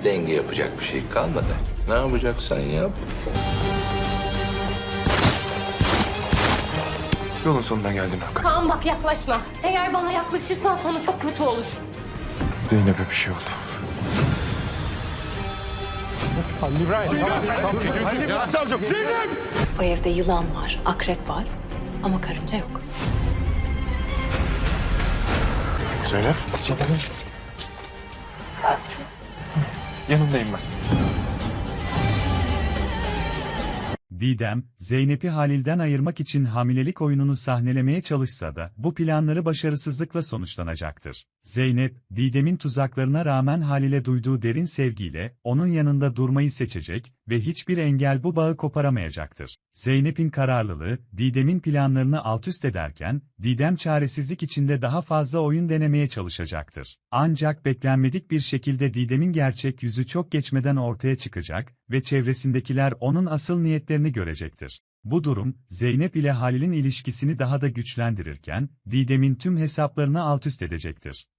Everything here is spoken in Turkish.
Denge yapacak bir şey kalmadı. Ne yapacaksan yap. Yolun sonuna geldin Hakan. Kaan bak yaklaşma. Eğer bana yaklaşırsan sonu çok kötü olur. Zeynep'e bir şey oldu. O evde yılan var, akrep var ama karınca yok. Zeynep. Yanındayım ben. Didem, Zeynep'i Halil'den ayırmak için hamilelik oyununu sahnelemeye çalışsa da bu planları başarısızlıkla sonuçlanacaktır. Zeynep, Didem'in tuzaklarına rağmen Halil'e duyduğu derin sevgiyle onun yanında durmayı seçecek ve hiçbir engel bu bağı koparamayacaktır. Zeynep'in kararlılığı, Didem'in planlarını altüst ederken, Didem çaresizlik içinde daha fazla oyun denemeye çalışacaktır. Ancak beklenmedik bir şekilde Didem'in gerçek yüzü çok geçmeden ortaya çıkacak ve çevresindekiler onun asıl niyetlerini görecektir. Bu durum, Zeynep ile Halil'in ilişkisini daha da güçlendirirken, Didem'in tüm hesaplarını altüst edecektir.